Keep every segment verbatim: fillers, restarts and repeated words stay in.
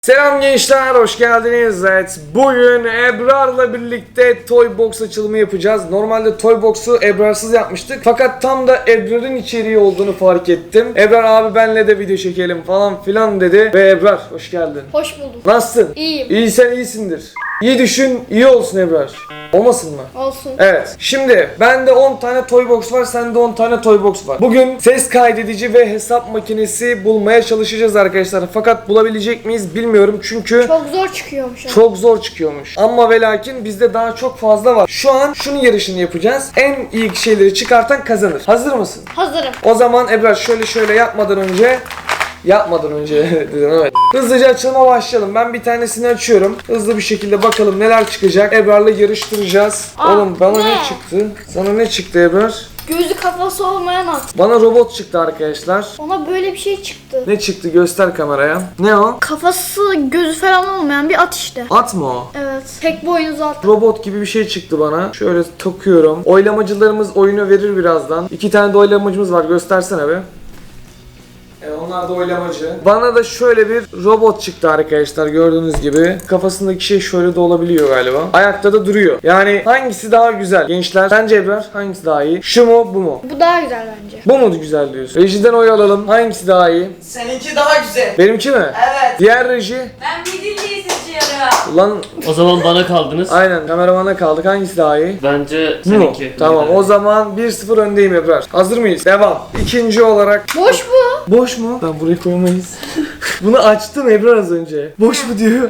Selam gençler, hoş geldiniz. Evet, bugün Ebrar'la birlikte Toy Box açılımı yapacağız. Normalde Toy Box'u Ebrar'sız yapmıştık. Fakat tam da Ebrar'ın içeriği olduğunu fark ettim. Ebrar abi benle de video çekelim falan filan dedi. Ve Ebrar, hoş geldin. Hoş bulduk. Nasılsın? İyiyim. İyi, sen iyisindir. İyi düşün, iyi olsun Ebrar. Olmasın mı? Olsun. Evet. Şimdi bende on tane Toy Box var, sende on tane Toy Box var. Bugün ses kaydedici ve hesap makinesi bulmaya çalışacağız arkadaşlar. Fakat bulabilecek miyiz bilmiyorum çünkü Çok zor çıkıyormuş. ama. çok zor çıkıyormuş. Ama ve lakin bizde daha çok fazla var. Şu an şunun yarışını yapacağız. En iyi şeyleri çıkartan kazanır. Hazır mısın? Hazırım. O zaman Ebrar şöyle şöyle yapmadan önce Yapmadan önce dedim, evet. Hızlıca açılıma başlayalım. Ben bir tanesini açıyorum. Hızlı bir şekilde bakalım neler çıkacak. Ebrar'la yarıştıracağız. Aa, Oğlum bana ne? ne çıktı? Sana ne çıktı Ebrar? Gözü kafası olmayan at. Bana robot çıktı arkadaşlar. Ona böyle bir şey çıktı. Ne çıktı? Göster kameraya. Ne o? Kafası gözü falan olmayan bir at işte. At mı o? Evet. Tek boynuzlu at. Robot gibi bir şey çıktı bana. Şöyle takıyorum. Oylamacılarımız oyunu verir birazdan. İki tane de oylamacımız var. Göstersene be. Evet, onlar da oylamacı. Bana da şöyle bir robot çıktı arkadaşlar, gördüğünüz gibi. Kafasındaki şey şöyle de olabiliyor galiba. Ayakta da duruyor. Yani hangisi daha güzel gençler? Sence Ebrar hangisi daha iyi? Şu mu, bu mu? Bu daha güzel bence. Bu mu güzel diyorsun? Rejiden oy alalım. Hangisi daha iyi? Seninki daha güzel. Benimki mi? Evet. Diğer reji? Ben midilliyi seçiyorum. Ulan O zaman bana kaldınız. aynen, kameramana kaldık. Hangisi daha iyi? Bence Bu mu? seninki. Tamam, o zaman bir sıfır öndeyim Ebrar. Hazır mıyız? Devam. İkinci olarak Boş bu. boş mu? Tamam, buraya koymayız. Bunu açtın Ebrar az önce. Boş mu diyor.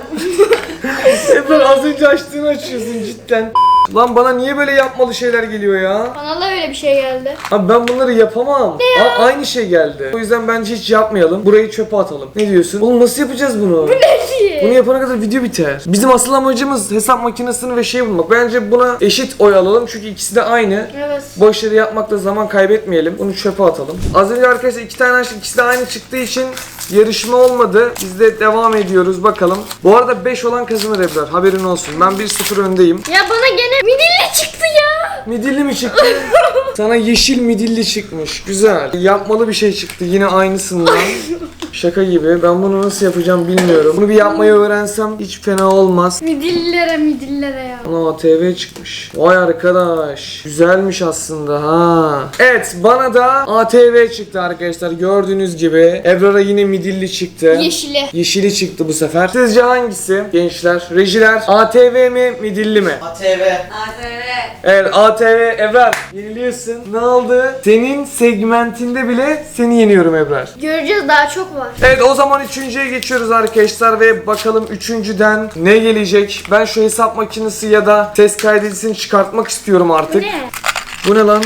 Ebrar az önce açtığını açıyorsun cidden. Lan bana niye böyle yapmalı şeyler geliyor ya? Bana da öyle bir şey geldi. Abi ben bunları yapamam. A- aynı şey geldi. O yüzden bence hiç yapmayalım. Burayı çöpe atalım. Ne diyorsun? Oğlum nasıl yapacağız bunu? Ne ki? Bunu yapana kadar video biter. Bizim asıl amacımız hesap makinesini ve şey bulmak. Bence buna eşit oy alalım çünkü ikisi de aynı. Evet. Boş yere yapmakta zaman kaybetmeyelim. Bunu çöpe atalım. Az önce arkadaşlar iki tane açtık. İkisi de aynı çıktığı için yarışma olmadı. Biz de devam ediyoruz bakalım. Bu arada beş olan kazanır Ebrar. Haberin olsun. Ben bir sıfır öndeyim. Ya bana gene midilli çıktı ya. Midilli mi çıktı? Sana yeşil midilli çıkmış. Güzel. Yapmalı bir şey çıktı. Yine aynısından. Şaka gibi. Ben bunu nasıl yapacağım bilmiyorum. Bunu bir yapmayı öğrensem hiç fena olmaz. Midillilere midillilere ya. Ana A T V çıkmış. Vay arkadaş. Güzelmiş aslında ha. Evet, bana da A T V çıktı arkadaşlar. Gördüğünüz gibi. Ebrar'a yine midilli çıktı. Yeşili. Yeşili çıktı bu sefer. Sizce hangisi gençler? Rejiler A T V mi midilli mi? A T V. A T V. Evet, A T V. Ebrar yeniliyorsun. Ne oldu? Senin segmentinde bile seni yeniyorum Ebrar. Göreceğiz, daha çok var. Evet, o zaman üçüncüye geçiyoruz arkadaşlar ve bakalım üçüncüden ne gelecek? Ben şu hesap makinesi ya da ses kaydedicisini çıkartmak istiyorum artık. Ne? Bu ne lan?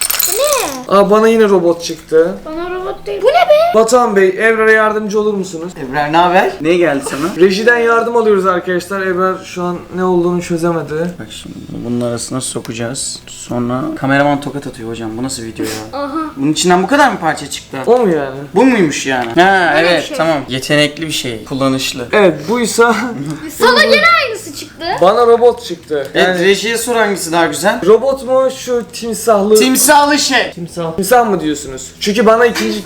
Ne? Aa, bana yine robot çıktı. Bana robot değil. Bu ne be? Batuhan Bey, Ebrar'a yardımcı olur musunuz? Ebrar ne haber? Ne geldi sana? Rejiden yardım alıyoruz arkadaşlar. Ebrar şu an ne olduğunu çözemedi. Bak şimdi bunu bunun arasına sokacağız. Sonra kameraman tokat atıyor hocam. Bu nasıl video ya? Aha. Bunun içinden bu kadar mı parça çıktı? O mu yani? Bu muymuş yani? Ha Böyle bir evet şey. tamam. Yetenekli bir şey. Kullanışlı. Evet, buysa Sana gene aynısı çıktı. bana robot çıktı. Evet, Yani rejiye sor hangisi daha güzel? robot mu şu timsahlı? Timsahlı şey. Timsah. Timsah mı diyorsunuz? Çünkü bana ikinci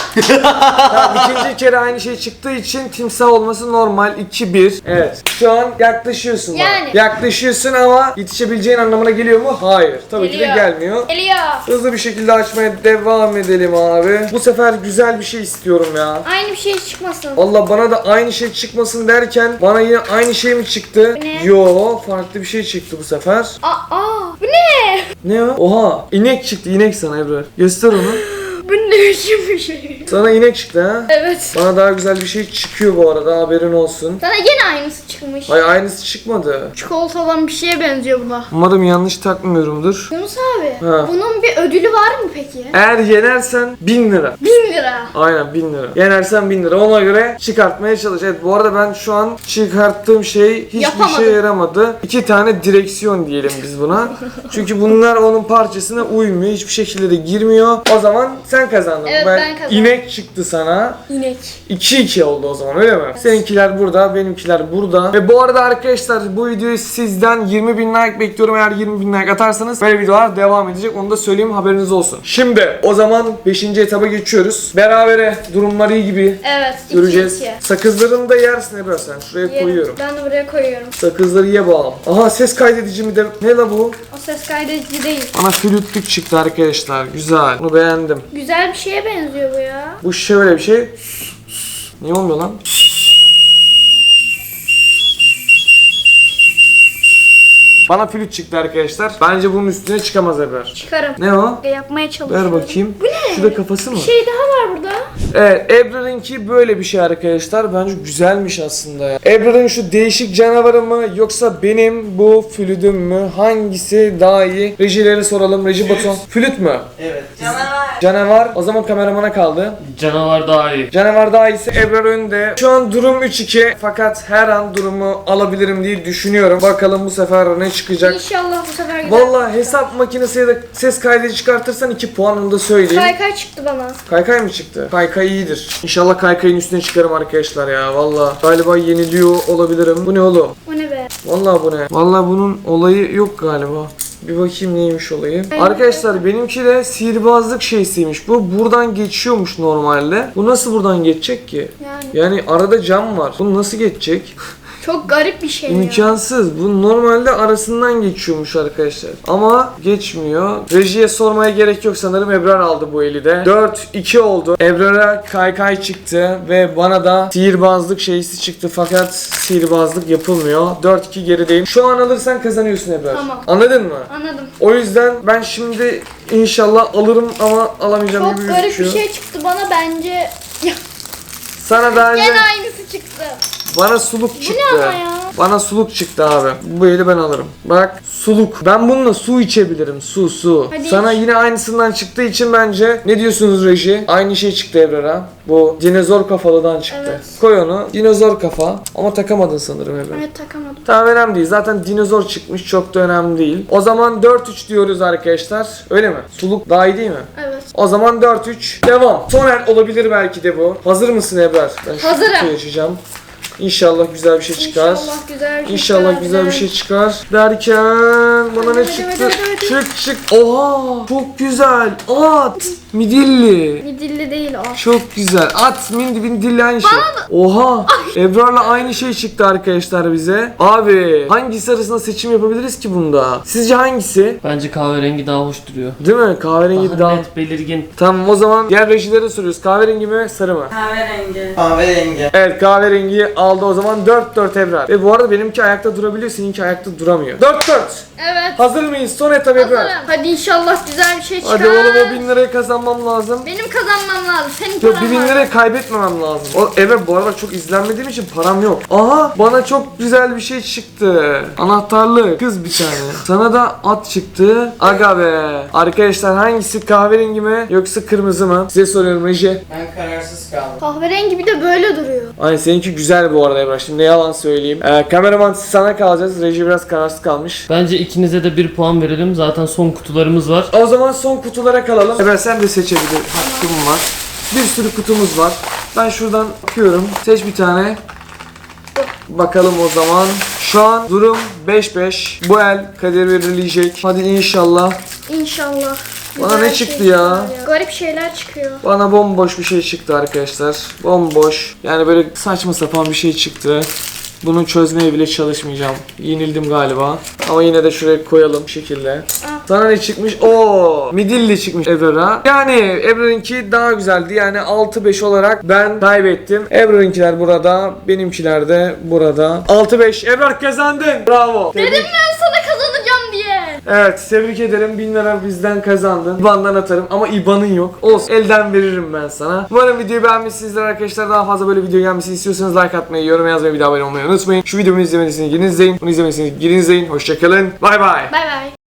yani ikinci kere aynı şey çıktığı için timsah olması normal. iki bir. Evet. Şu an yaklaşıyorsun bana. Yani. Yaklaşıyorsun ama yetişebileceğin anlamına geliyor mu? Hayır. Tabii ki de Geliyor. gelmiyor. Geliyor. Hızlı bir şekilde açmaya devam edelim abi. Bu sefer güzel bir şey istiyorum ya. Aynı bir şey çıkmasın. Valla bana da aynı şey çıkmasın derken bana yine aynı şey mi çıktı? Bu ne? Yo, farklı bir şey çıktı bu sefer. Aa, aa. Bu ne? Ne o? Oha, inek çıktı, inek sana Ebrar. Göster onu. Bu ne biçim bir şey? Sana inek çıktı ha. Evet. Bana daha güzel bir şey çıkıyor bu arada, haberin olsun. Sana gene aynısı çıkmış. Ay, aynısı çıkmadı. Çikolata olan bir şeye benziyor buna. Umarım yanlış takmıyorumdur. Yunus abi, Ha. bunun bir ödülü var mı peki? Eğer yenersen bin lira. Bin lira. Aynen, bin lira. Yenersen bin lira. Ona göre çıkartmaya çalış. Evet, bu arada ben şu an çıkarttığım şey hiçbir Yapamadım. şey yaramadı. İki tane direksiyon diyelim biz buna. Çünkü bunlar onun parçasına uymuyor. Hiçbir şekilde de girmiyor. O zaman sen kazandın. Evet, ben kazandım. inek inek çıktı sana. İnek. iki iki oldu o zaman, öyle mi? Seninkiler burada, benimkiler burada. Ve bu arada arkadaşlar bu videoyu sizden yirmi bin like bekliyorum. Eğer yirmi bin like atarsanız böyle videolar devam edecek. Onu da söyleyeyim, haberiniz olsun. Şimdi o zaman beşinci etaba geçiyoruz. Berabere, durumlar iyi gibi Evet. iki göreceğiz. iki. Sakızlarını da yersin Ebrar sen. Şuraya Yerim. koyuyorum. Ben de buraya koyuyorum. Sakızları ye bağım. Aha, ses kaydedici mi de? Ne la bu? O ses kaydedici değil. Bana flütlük çıktı arkadaşlar. Güzel. Bunu beğendim. Güzel bir şeye benziyor bu ya. Bu şöyle bir şey. Niye olmuyor lan? Bana flüt çıktı arkadaşlar. Bence bunun üstüne çıkamaz Ebrar. Çıkarım. Ne o? Yapmaya çalışıyorum. Ver bakayım. Bu ne? Şurada kafası mı? Bir şey daha var burada. Evet, Ebrar'ınki böyle bir şey arkadaşlar. Bence güzelmiş aslında ya. Ebrar'ın şu değişik canavarı mı yoksa benim bu flütüm mü? Hangisi daha iyi? Rejilere soralım. Reji Batuhan. Flüt mü? Evet. Canavar. Canavar. O zaman kameramana kaldı. Canavar daha iyi. Canavar daha iyisi, Ebrar önde. Şu an durum üç iki. Fakat her an durumu alabilirim diye düşünüyorum. Bakalım bu sefer ne çıkacak. İnşallah bu sefer gider. Vallahi hesap makinesi ya da ses kaydedici çıkartırsan iki puanını da söyleyeyim. Kaykay çıktı bana. Kaykay mı çıktı? Kaykay iyidir. İnşallah kaykayın üstüne çıkarım arkadaşlar ya. Vallahi galiba yeniliyor olabilirim. Bu ne oğlum? O ne be? Vallahi bu ne? Vallahi bunun olayı yok galiba. Bir bakayım neymiş olayı. Arkadaşlar benimki de sihirbazlık şeysiymiş. Bu buradan geçiyormuş normalde. Bu nasıl buradan geçecek ki? Yani Yani arada cam var. Bu nasıl geçecek? çok garip bir şey ya. İmkansız. Bu normalde arasından geçiyormuş arkadaşlar. Ama geçmiyor. Rejiye sormaya gerek yok sanırım. Ebrar aldı bu eli de. dört iki oldu. Ebrar'a kaykay çıktı ve bana da sihirbazlık şeysi çıktı. Fakat sihirbazlık yapılmıyor. dört iki gerideyim. Şu an alırsan kazanıyorsun Ebrar. Tamam. Anladın mı? Anladım. O yüzden ben şimdi inşallah alırım ama alamayacağım Çok gibi garip gözüküyor. bir şey çıktı bana bence. Ya, Sana daha önce gene aynısı çıktı. bana suluk Bu çıktı. ne ama ya? Bana suluk çıktı abi. Bu eli ben alırım. Bak suluk. Ben bununla su içebilirim. Su su. Hadi Sana iç. yine aynısından çıktığı için bence ne diyorsunuz reji? Aynı şey çıktı Ebrar'a. Bu dinozor kafalıdan çıktı. Evet. Koy onu. Dinozor kafa. Ama takamadın sanırım Ebrar. Evet, takamadım. Tamam, önemli değil. Zaten dinozor çıkmış. Çok da önemli değil. O zaman dört üç diyoruz arkadaşlar. Öyle mi? Suluk daha iyi değil mi? Evet. O zaman dört üç. Devam. Son el olabilir belki de bu. Hazır mısın Ebrar? Ben şu Hazırım. kutuyu açacağım. İnşallah güzel bir şey çıkar. İnşallah güzel bir şey İnşallah çıkar. güzel bir şey çıkar. Derken bana Hadi, ne hadi, çıktı? hadi, hadi, hadi. Çık çık. Oha! Çok güzel. At. Midilli. Midilli değil o. Çok güzel. At mindi midilli aynı şey. Oha! Ebrar'la aynı şey çıktı arkadaşlar bize. Abi hangisi arasında seçim yapabiliriz ki bunda? Sizce hangisi? Bence kahverengi daha hoş duruyor. Değil mi? Kahverengi Daha, daha... net, belirgin. Tamam, o zaman diğer rejilere soruyoruz. Kahverengi mi, sarı mı? Kahverengi. Kahverengi. Evet, kahverengi aldı o zaman. dört dört Ebrar. Ve bu arada benimki ayakta durabiliyor, seninki ayakta duramıyor. dört dört. Evet. Hazır mıyız? Son etap Ebrar. Hazırım. Hadi inşallah güzel bir şey çıkar. Hadi oğlum, o bin lirayı kazanmam lazım. Benim kazanmam lazım. Senin Yok, paran bir bin var. lirayı kaybetmemem lazım. O Ebrar, bu arada çok izlenmediğim için param yok. Aha, bana çok güzel bir şey çıktı. Anahtarlı kız bir tane. Sana da at çıktı. Aga be. Arkadaşlar hangisi, kahverengi mi yoksa kırmızı mı? Size soruyorum reji. Ben kararsız kaldım. Kahverengi bir de böyle duruyor. Ay, seninki güzel bu arada Ebrar. Şimdi ne yalan söyleyeyim. Ee, kameraman sana kalacağız. Reji biraz kararsız kalmış. Bence ikinize de bir puan verelim. Zaten son kutularımız var. O zaman son kutulara kalalım. Ebrar sen de seçebilir. Hakkım var. Bir sürü kutumuz var. Ben şuradan bakıyorum. Seç bir tane. Bakalım o zaman. Şu an durum beş beş. Bu el kader belirleyecek. Hadi inşallah. İnşallah. Bana güzel ne bir çıktı şey ya? çıkar Garip şeyler çıkıyor. Bana bomboş bir şey çıktı arkadaşlar. Bomboş. Yani böyle saçma sapan bir şey çıktı. Bunu çözmeye bile çalışmayacağım. Yenildim galiba. Ama yine de şuraya koyalım bu şekilde. Sana ne çıkmış? Oo, midilli çıkmış Ebrar'a. Yani Ebrar'ınki daha güzeldi. Yani altı beş olarak ben kaybettim. Ebrar'ınkiler burada, benimkiler de burada. altı beş. Ebrar kazandın. Bravo. Dedim ben sana kazanacağım diye. Evet, tebrik ederim. bin lira bizden kazandın. İban'dan atarım ama İban'ın yok. Olsun, elden veririm ben sana. Umarım videoyu beğenmişsinizdir arkadaşlar. Daha fazla böyle video gelmesini istiyorsanız like atmayı, yorum yazmayı, bir daha abone olmayı unutmayın. Şu videomu izlemediyseniz gidin izleyin. Bunu izlemediyseniz gidin izleyin. Hoşçakalın. Bay bay. Bay bay.